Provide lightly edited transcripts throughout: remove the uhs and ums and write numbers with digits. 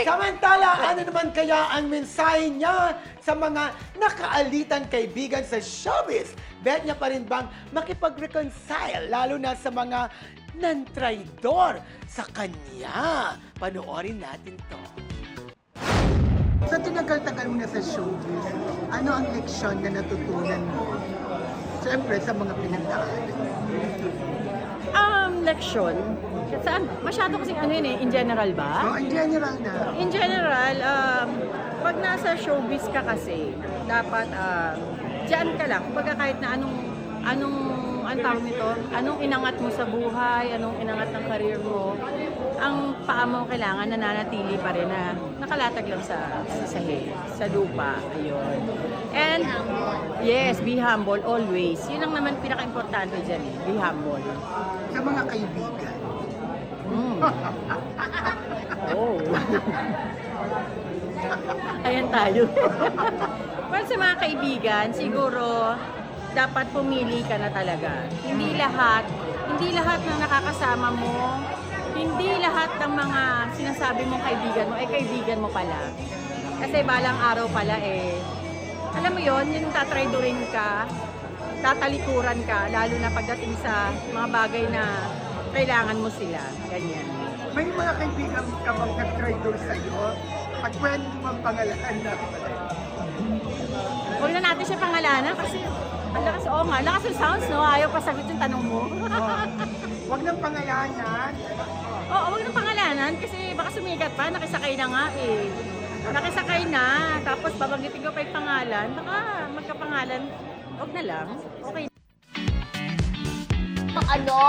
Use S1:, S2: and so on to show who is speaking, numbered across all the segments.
S1: Samantala, ano naman kaya ang mensahe niya sa mga nakaalitan kaibigan sa showbiz? Bet niya pa rin bang makipag-reconcile, lalo na sa mga nan-traidor sa kanya? Panoorin natin to. Sa tinagal-tagal mo na sa showbiz, ano ang leksyon na natutunan mo? Siyempre, sa mga pinagdaanan.
S2: Leksyon? Saan? Masyado kasing ano yun eh, in general ba?
S1: So, in general na.
S2: In general, pag nasa showbiz ka kasi, dapat diyan ka lang. Kumbaga kahit na anong tawag nito, anong inangat mo sa buhay, anong inangat ng career mo, ang paa mo kailangan nananatili pa rin na nakalatag lang sa sahig, sa lupa. Ayun. And yes, be humble always. Yun ang naman pinaka-importante dyan eh, be humble.
S1: Sa mga kaibigan.
S2: Oh. Ayan tayo. Well, sa mga kaibigan, siguro dapat pumili ka na talaga. Hindi lahat ng nakakasama mo, hindi lahat ng mga sinasabi mong kaibigan mo, ay kaibigan mo pala. Kasi balang araw pala alam mo yon, yung tatraydorin ka, tatalikuran ka, lalo na pagdating sa mga bagay na kailangan mo sila. Ganyan.
S1: May mga kaibigan ka bang nag-traitor sa'yo? At pwede mo bang pangalanan na?
S2: Huwag na natin siya pangalanan kasi ang lakas, lakas yung sounds, no? Ayaw pa sagot yung tanong mo.
S1: Huwag nang pangalanan.
S2: Oo, huwag nang pangalanan kasi baka sumigat pa, nakisakay na nga eh. Nakisakay na, tapos babanggitin ko pa yung pangalan, baka magkapangalan, huwag na lang, okay.
S3: Ano?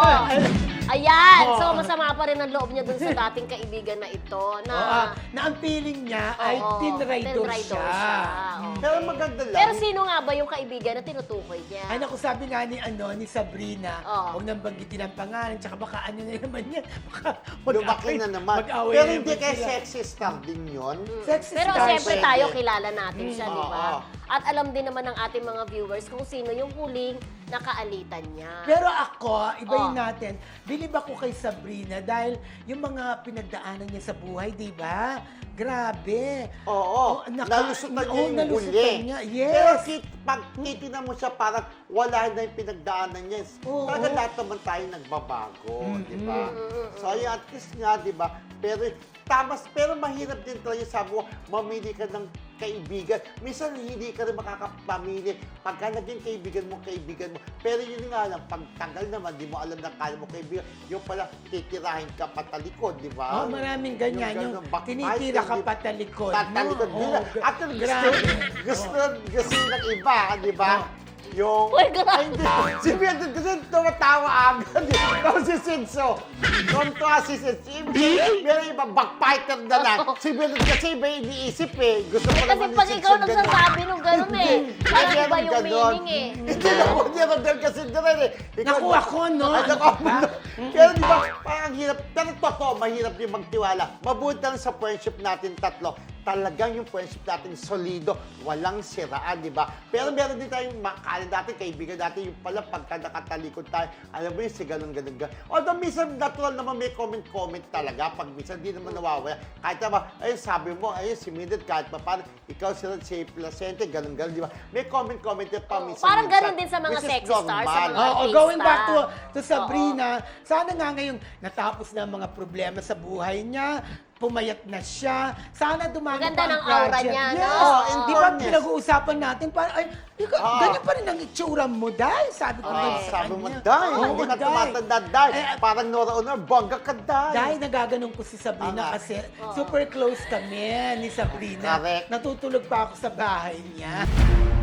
S3: Ayan! So, masama pa rin ang loob niya dun sa dating kaibigan na ito.
S1: Na ang feeling niya ay tinraidor siya.
S3: Oo.
S4: Pero maganda lang.
S3: Pero sino nga ba yung kaibigan na tinutukoy niya?
S1: Ay, naku, sabi nga ni Sabrina,
S3: Oo.
S1: huwag nang banggitin ang pangalan, tsaka baka ano na naman yan, baka
S4: Lumaki na naman.
S1: mag-away
S4: Pero
S1: na
S4: hindi
S1: naman
S4: kaya
S1: sila.
S4: sexy star din yun.
S1: Sexy
S3: Pero
S1: star
S3: siyempre
S1: siya.
S3: tayo, kilala natin siya, di ba?
S4: Oo.
S3: At alam din naman ng ating mga viewers kung sino yung huling nakaalitan niya.
S1: Pero ako, ibahin
S3: Oh.
S1: natin, bilib ako kay Sabrina dahil yung mga pinagdaanan niya sa buhay, di ba? Grabe.
S4: Oo. Nalusutan niya yung
S1: nalusutan
S4: huli.
S1: niya.
S4: Pero
S1: Yes.
S4: pag titinan mo siya, parang wala na yung pinagdaanan niya.
S1: Oo.
S4: Talaga lahat naman tayo nagbabago, di ba? So, ayun, at least nga, di ba? Pero mahirap din talaga, sabi mo, mamili ka ng kaibigan. Minsan, hindi ka rin makakapamili. Pagka naging kaibigan mo. Pero yun nga lang, pag tagal naman, di mo alam na kala mo kaibigan, yung pala, titirahin ka patalikod, di ba?
S1: Oh, maraming ganyan. Yung
S4: ganun, backbite,
S1: tinitira ka
S4: di-
S1: patalikod.
S4: Tatalikod
S1: no?
S4: nila.
S1: Oh,
S4: At
S1: grabe.
S4: gusto ng iba, di ba? Yung...
S3: Uy, grabe.
S4: Ay, hindi. Si Mildred kasi tumatawa agad. Tapos si Sinso. Tumatawa si Sinso. Meron iba, backfighter na lang. Si Mildred kasi iba iniisip eh. Gusto ko
S3: Kasi
S4: naman
S3: pag
S4: ni
S3: ikaw
S4: Sinso ganun.
S3: nagsasabi nung gano'n eh. Parang
S4: Kaya
S3: iba yung
S4: ganon.
S3: meaning eh.
S4: Hindi na po niya doon kasi doon eh.
S1: Naku, ako, no?
S4: Ay, naku, ako,
S1: Diba?
S4: no? Pero di ba, parang hirap. Pero totoo, mahirap din magtiwala. Mabuti lang sa friendship natin tatlo. Talagang yung friendship natin solido, walang siraan, di ba? Pero meron din tayong makakala natin, kaibigan natin, yung pala pagka nakatalikod tayo, alam mo yun, si ganun. Although minsan natural naman may comment talaga, pag minsan di naman nawawala. Kahit naman, ayun sabi mo, ayun si Mildred, kahit pa paano, ikaw si Placente, ganun, di ba? May comment din pa minsan.
S3: Parang ganun din sa mga
S4: which is
S3: sexy stars, sa
S4: normal.
S3: mga artista.
S1: Going back to Sabrina, sana nga ngayong natapos na ang mga problema sa buhay niya, pumayat na siya. Sana dumami
S3: Maganda
S1: pa ang
S3: ng aura
S1: project.
S3: niya,
S1: Yes.
S3: no?
S4: in
S1: Di ba
S4: fairness.
S1: pinag-uusapan natin, parang, ay, ganyan pa rin ang itsura mo, Day. Sabi ko
S3: Correct.
S1: sa
S4: Sabi mo,
S1: kanya.
S4: Day,
S1: Oo,
S4: hindi ka
S1: Day.
S4: tumatanda, Day.
S1: Eh,
S4: Parang Nora Honor, bongga ka, Day.
S1: Dahil nagaganon ko si Sabrina
S4: Tama.
S1: kasi super close kami ni Sabrina.
S4: Correct.
S1: Natutulog pa ako sa bahay niya.